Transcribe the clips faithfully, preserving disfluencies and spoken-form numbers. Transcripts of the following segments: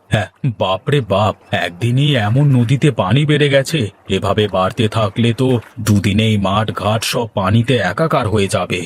হ্যাঁ, বাপরে বাপ, একদিনই এমন নদীতে পানি বেড়ে গেছে। এভাবে বাড়তে থাকলে তো দুদিনেই মাঠ ঘাট সব পানিতে একাকার হয়ে যাবে।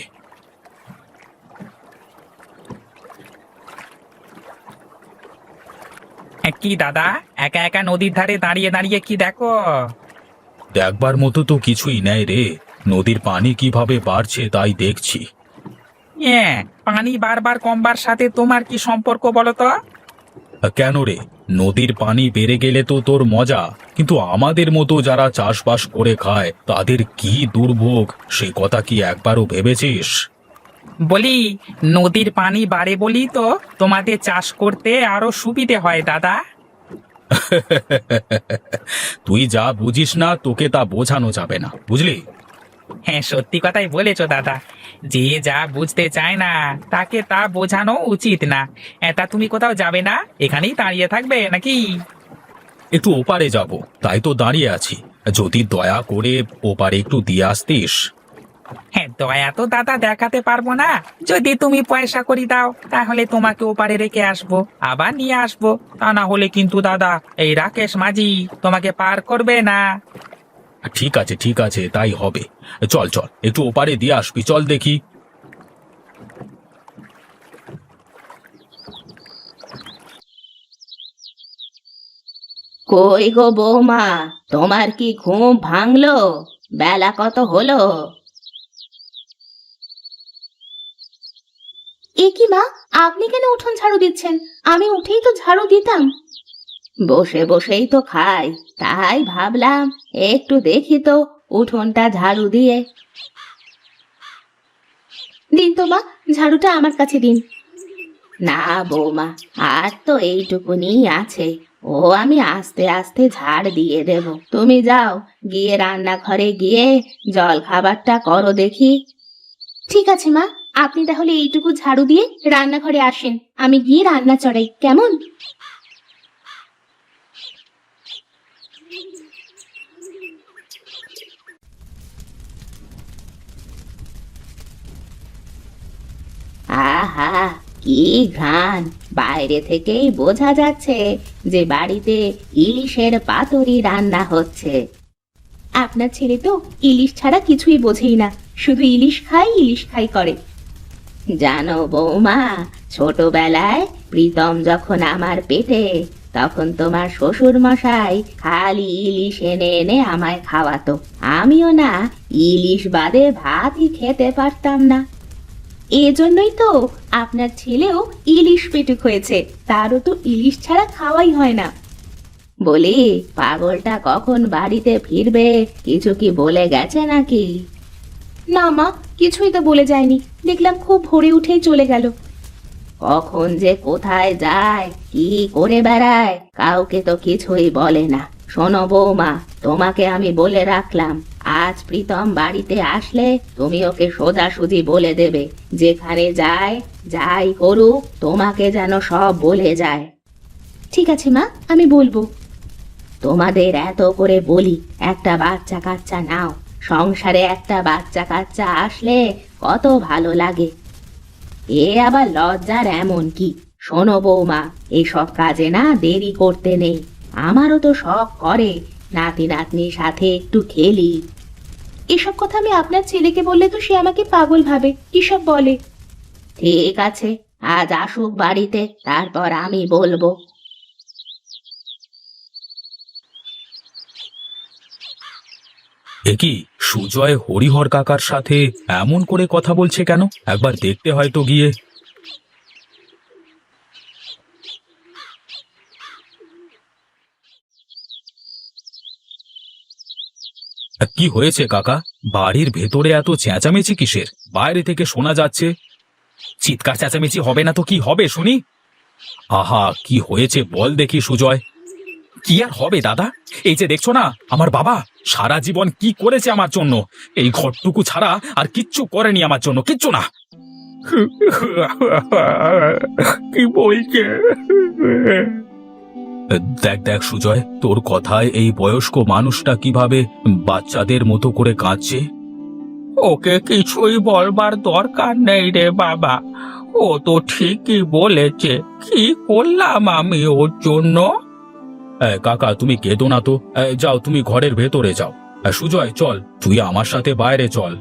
এ, কি দাদা, একা একা নদীর ধারে দাঁড়িয়ে দাঁড়িয়ে কি দেখো? দেখবার মতো তো কিছুই নেই রে। নদীর পানি কিভাবে বাড়ছে তাই দেখছি। হ্যাঁ, পানি বারবার কমবার সাথে তোমার কি সম্পর্ক বলো তো? কেন রে? নদীর পানি বেড়ে গেলে তো তোর মজা, কিন্তু আমাদের মতো যারা চাষবাস করে খায় তাদের কি দুর্ভোগ, সে কথা কি একবারও ভেবেছিস? বলি, নদীর পানি বাড়ে বলি তো তোমাদের চাষ করতে আরো সুবিধে হয় দাদা। তুই যা বুঝিস না তোকে তা বোঝানো যাবে না, বুঝলি? হ্যাঁ, সত্যি কথাই বলেছো দাদা। যে যা বুঝতে চায় না তাকে তা বোঝানো উচিত না। এটা তুমি কোথাও যাবে না, এখানেই দাঁড়িয়ে থাকবে নাকি? একটু ওপারে যাব, তাই তো দাঁড়িয়ে আছি। যদি দয়া করে ওপারে একটু দিয়ে আসতিস। হ্যাঁ, দয়া তো দাদা দেখাতে পারবো না। যদি তুমি পয়সা করি দাও তাহলে তোমাকে ওপারে রেখে আসবো, আবার নিয়ে আসবো। তা না হলে কিন্তু দাদা এই রাকেশ মাঝি তোমাকে পার করবে না। ঠিক আছে ঠিক আছে, তাই হবে। চল চল, একটু ওপারে দিয়ে আসবি, চল দেখি। কই গো বৌমা, তোমার কি ঘুম ভাঙলো? বেলা কত হলো? এ কি মা, আপনি কেন উঠোন ঝাড়ু দিচ্ছেন? আমি উঠেই তো ঝাড়ু দিতাম। বসে বসেই তো খাই, তাই ভাবলাম একটু দেখি তো উঠোনটা ঝাড়ু দিয়ে। দিন তো মা, ঝাড়ুটা আমার কাছে দিন। না বৌমা, আর তো এইটুকুনি আছে, ও আমি আস্তে আস্তে ঝাড় দিয়ে দেব। তুমি যাও, গিয়ে রান্নাঘরে গিয়ে জল খাবারটা করো দেখি। ঠিক আছে মা, আপনি তাহলে এইটুকু ঝাড়ু দিয়ে রান্নাঘরে আসেন, আমি গিয়ে রান্না চড়াই, কেমন? আহা, কি ঘ্রাণ! বাইরে থেকেই বোঝা যাচ্ছে যে বাড়িতে ইলিশের পাতুরি রান্না হচ্ছে। আপনার ছেলে তো ইলিশ ছাড়া কিছুই বোঝেই না, শুধু ইলিশ খাই ইলিশ খাই করে। জানো বৌমা, ছোটবেলায় প্রীতম যখন আমার পেটে, তখন তোমার শ্বশুর মশাই খালি ইলিশ এনে এনে আমায় খাওয়াতো। আমিও না ইলিশ বাদে ভাতই খেতে পারতাম না। এজন্যই তো আপনার ছেলেও ইলিশ পেটুক হয়েছে, তারও তো ইলিশ ছাড়া খাওয়াই হয় না। বলি, পাগলটা কখন বাড়িতে ফিরবে, কিছু কি বলে গেছে নাকি? না মা, কিছুই তো বলে যায়নি, দেখলাম খুব ভোরে উঠেই চলে গেল। কখন যে কোথায় যায়, কি করে বেড়ায়, কাউকে তো কিছুই বলে না। শোনো বৌমা, তোমাকে আমি বলে রাখলাম, আজ প্রীতম বাড়িতে আসলে তুমি ওকে সোজাসুজি বলে দেবে, যেখানে যায় যাই করুক তোমাকে যেন সব বলে যায়। ঠিক আছে মা, আমি বলবো। তোমাদের এত করে বলি একটা বাচ্চা কাচ্চা নাও, সংসারে একটা বাচ্চা কাচ্চা আসলে কত ভালো লাগে। এ আবার লজ্জার এমন কি? শোনো বৌমা, এসব কাজে না দেরি করতে নেই। আমারও তো শখ করে নাতি নাতনির সাথে একটু খেলি। এসব কথা আমি আপনার ছেলেকে বললে তো সে আমাকে পাগল ভাবে, কিসব বলে। ঠিক আছে, আজ আসুক বাড়িতে, তারপর আমি বলবো। এ কি, সুজয় হরিহর কাকার সাথে এমন করে কথা বলছে কেন? একবার দেখতে হয়তো গিয়ে। কি হয়েছে কাকা? বাড়ির ভেতরে এত চেঁচামেচি কিসের? বাইরে থেকে শোনা যাচ্ছে। চিৎকার চেঁচামেচি হবে না তো কি হবে শুনি? আহা, কি হয়েছে বল দেখি সুজয়। কি আর হবে দাদা, এই যে দেখছো না, আমার বাবা সারা জীবন কি করেছে আমার জন্য, এই ঘরটুকু ছাড়া আর কিচ্ছু করেনি আমার জন্য, কিচ্ছু না। কি বলছে? দেখ দেখ সুজয়, তোর কথায় এই বয়স্ক মানুষটা কিভাবে বাচ্চাদের মতো করে কাঁদছে। ওকে কিছুই বলবার দরকার নেই রে বাবা, ও তো ঠিকই বলেছে, কি করলাম আমি ওর জন্য? এ, কাকা তুমি কেঁদো না তো। এ, যাও তুমি ঘরের ভেতরে যাও। এ, সুজয় চল, তুই আমার সাথে বাইরে চল।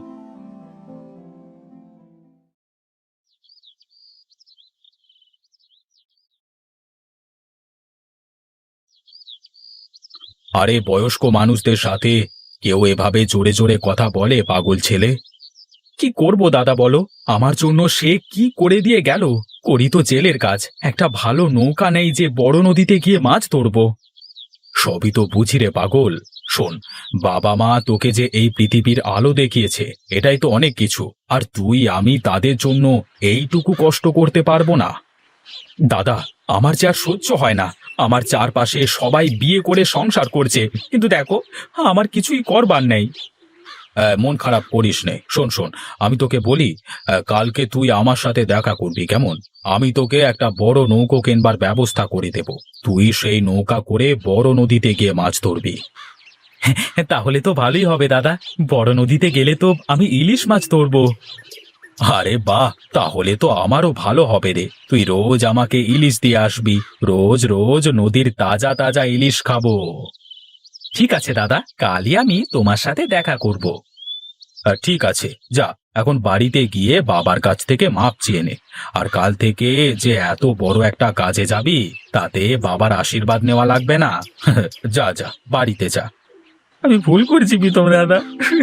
আরে বয়স্ক মানুষদের সাথে কেউ এভাবে জোরে জোরে কথা বলে? পাগল ছেলে। কি করব দাদা বলো, আমার জন্য সে কি করে দিয়ে গেল। করি তো জেলের কাজ, একটা ভালো নৌকা নেই যে বড় নদীতে গিয়ে মাছ ধরবো। সবই তো বুঝি রে পাগল। শোন, বাবা মা তোকে যে এই পৃথিবীর আলো দেখিয়েছে, এটাই তো অনেক কিছু। আর তুই আমি তাদের জন্য এইটুকু কষ্ট করতে পারবো না? দাদা, আমার যে আর সহ্য হয় না। আমার চারপাশে সবাই বিয়ে করে সংসার করছে, কিন্তু দেখো আমার কিছুই করবার নেই। আহ, মন খারাপ করিস নে। শোন শোন, আমি তোকে বলি, আহ, কালকে তুই আমার সাথে দেখা করবি কেমন? আমি তোকে একটা বড় নৌকো কেনবার ব্যবস্থা করে দেব। তুই সেই নৌকা করে বড় নদীতে গিয়ে মাছ ধরবি। তাহলে তো ভালোই হবে দাদা, বড় নদীতে গেলে তো আমি ইলিশ মাছ ধরবো। আরে বাহ, তাহলে তো আমারও ভালো হবে রে। তুই রোজ আমাকে ইলিশ দিয়ে আসবি, রোজ রোজ নদীর তাজা তাজা ইলিশ খাবো। ঠিক আছে দাদা, কালই আমি তোমার সাথে দেখা করব। আহ, ঠিক আছে, যা এখন বাড়িতে গিয়ে বাবার কাছ থেকে মাপ চেয়ে নে। আর কাল থেকে যে এত বড় একটা কাজে যাবি, তাতে বাবার আশীর্বাদ নেওয়া লাগবে না। যা যা, বাড়িতে যা। আমি ভুল করছি প্রীতম দাদা।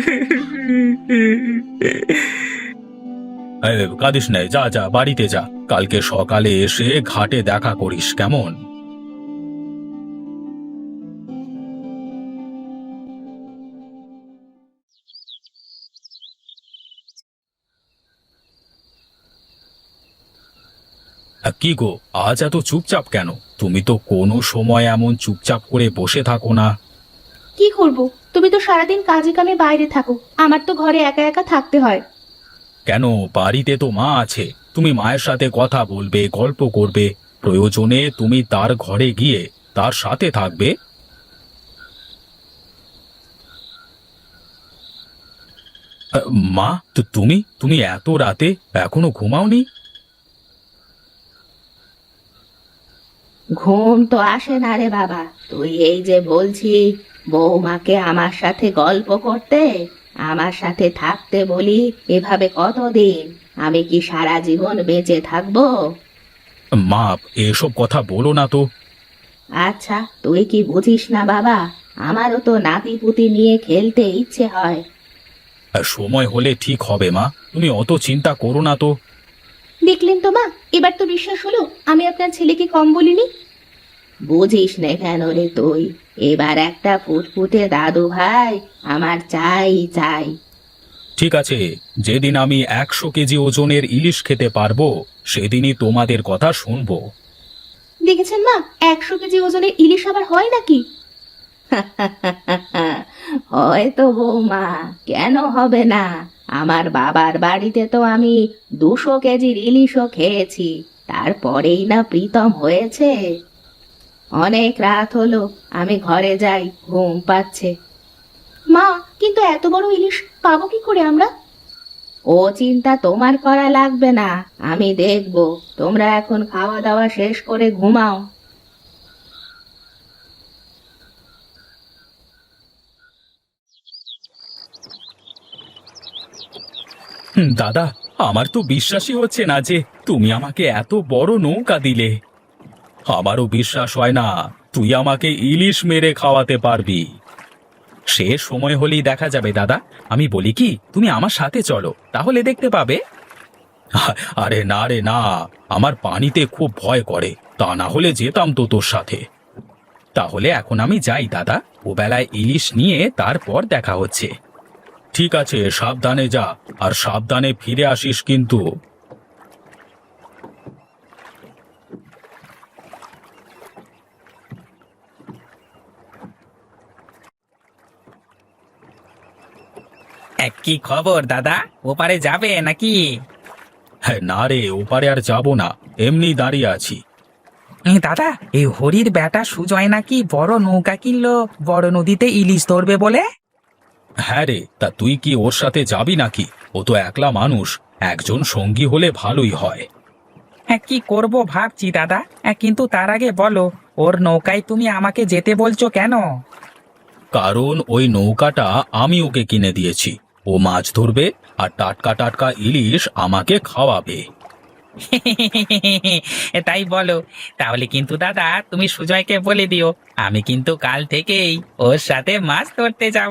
এই, কাঁদিস নাই, যা যা বাড়িতে যা। কালকে সকালে এসে ঘাটে দেখা করিস কেমন? আহ, কি গো, আজ এত চুপচাপ কেন? তুমি তো কোনো সময় এমন চুপচাপ করে বসে থাকো না। কি করব? তুমি তো সারাদিন কাজে কামে বাইরে থাকো, আমার তো ঘরে একা একা থাকতে হয়। কেন, বাড়িতে তো মা আছে। তুমি মায়ের সাথে কথা বলবে, গল্প করবে। প্রয়োজনে তুমি তার ঘরে গিয়ে তার সাথে থাকবে। আহ, মা, তো তুমি তুমি এত রাতে এখনো ঘুমাওনি? ঘুম তো আসে না রে বাবা। তুই এই যে বলছি বৌমাকে আমার সাথে গল্প করতে, আমার সাথে থাকতে বলি, এভাবে কতদিন? আমি কি সারা জীবন বেঁচে থাকবো? মা, এসব কথা বলো না তো। আচ্ছা, তুই কি বুঝিস না বাবা? আমারও তো নাতি পুতি নিয়ে খেলতে ইচ্ছে হয়। আহ, সময় হলে ঠিক হবে মা, তুমি অত চিন্তা করো না তো। দেখলেন তো মা, এবার তো বিশ্বাস হলো আমি আপনার ছেলেকে কম বলিনি। বুঝিস নে কেন রে তুই? এবার একটা ফুটফুটে দাদু ভাই আমার চাই চাই। ঠিক আছে, যেদিন আমি একশো কেজি ওজনের ইলিশ খেতে পারবো, সেদিনই তোমাদের কথা শুনবো। দেখেছেন মা, একশো কেজি ওজনের ইলিশ আবার হয় নাকি? হয়তো বৌমা, কেন হবে না? আমার বাবার বাড়িতে তো আমি দুশো কেজির ইলিশও খেয়েছি, তারপরেই না প্রীতম হয়েছে। অনেক রাত হলো, আমি ঘরে যাই, ঘুম পাচ্ছে। মা, কিন্তু এত বড় ইলিশ পাবো কি করে আমরা? ও চিন্তা তোমার করা লাগবে না, আমি দেখব। তোমরা এখন খাওয়া দাওয়া শেষ করে ঘুমাও। হুম, দাদা, আমার তো বিশ্বাসই হচ্ছে না যে তুমি আমাকে এত বড় নৌকা দিলে। আমারও বিশ্বাস হয় না তুই আমাকে ইলিশ মেরে খাওয়াতে পারবি। সে সময় হলেই দেখা যাবে দাদা। আমি বলি কি, তুমি আমার সাথে চলো, তাহলে দেখতে পাবে। আ- আরে না রে না, আমার পানিতে খুব ভয় করে, তা না হলে যেতাম তো তোর সাথে। তাহলে এখন আমি যাই দাদা, ও বেলায় ইলিশ নিয়ে তারপর দেখা হচ্ছে। ঠিক আছে, সাবধানে যা, আর সাবধানে ফিরে আসিস কিন্তু। এক, কি খবর দাদা? ওপারে যাবে নাকি? হ্যাঁ, না রে, ওপারে আর যাব না, এমনি দাঁড়িয়ে আছি। এ, দাদা, এই হরির বেটা সুজয় নাকি বড় নৌকা কিনলো বড় নদীতে ইলিশ ধরবে বলে। হ্যাঁ রে, তা তুই কি ওর সাথে যাবি নাকি? ও তো একলা মানুষ, একজন সঙ্গী হলে ভালোই হয়। হ্যাঁ, কি করব ভাবছি দাদা। হ্যাঁ, কিন্তু তার আগে বলো, ওর নৌকায় তুমি আমাকে যেতে বলছো কেন? কারণ ওই নৌকাটা আমি ওকে কিনে দিয়েছি। ও মাছ ধরবে আর টাটকা টাটকা ইলিশ আমাকে খাওয়াবে। তাই বলো? তাহলে কিন্তু দাদা তুমি সুজয়কে বলে দিও, আমি কিন্তু কাল থেকেই ওর সাথে মাছ ধরতে যাব।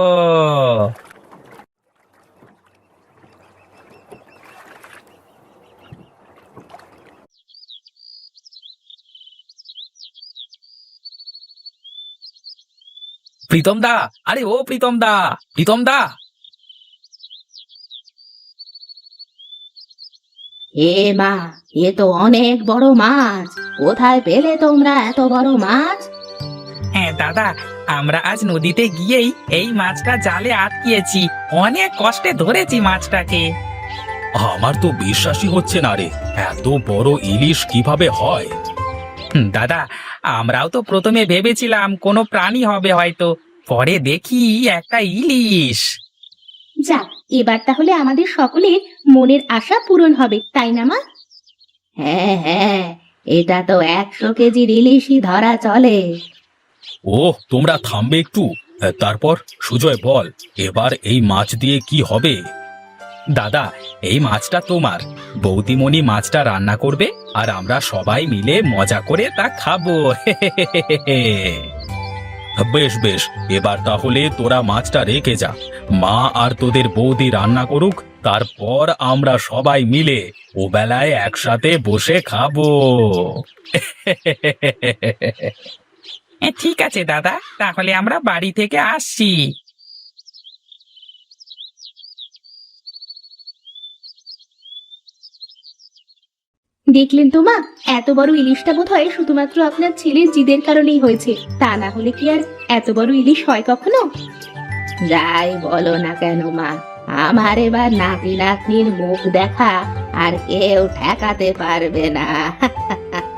প্রীতম দা, আরে ও প্রীতম দা, প্রীতম দা। এ মা, এ তো অনেক বড় মাছ। কোথায় পেলে তোমরা এত বড় মাছ? হ্যাঁ দাদা, আমরা আজ নদীতে গিয়েই এই মাছটা জালে আটকিয়েছি। অনেক কষ্টে ধরেছি মাছটাকে। আমার তো বিশ্বাসই হচ্ছে না রে, এত বড় ইলিশ কিভাবে হয়? হুম, দাদা, আমরাও তো প্রথমে ভেবেছিলাম কোনো প্রাণী হবে হয়তো, পরে দেখি একটা ইলিশ। যাক, এবার তাহলে আমাদের সকলের মনের আশা পূরণ হবে, তাই না মা? হ্যাঁ হ্যাঁ, এটা তো একশো কেজির ইলিশই ধরা চলে। ও, তোমরা থামবে একটু। তারপর সুজয় বল, এবার এই মাছ দিয়ে কি হবে? দাদা, এই মাছটা তোমার। বৌদিমণি মাছটা রান্না করবে আর আমরা সবাই মিলে মজা করে তা খাবো। বেশ বেশ, এবার তাহলে তোরা মাছটা রেখে যা। মা আর তোদের বৌদি রান্না করুক, তারপর আমরা সবাই মিলে ও বেলায় একসাথে বসে খাবো। এ, ঠিক আছে দাদা, তাহলে আমরা বাড়ি থেকে আসছি। দেখলেন তো মা, এত বড় ইলিশটা বোধহয় শুধুমাত্র আপনার ছেলের জিদের কারণেই হয়েছে। তা না হলে কি আর এত বড় ইলিশ হয় কখনো? যাই বলো না কেন মা, আমার এবার নাতি নাতনির মুখ দেখা আর কেউ ঠেকাতে পারবে না।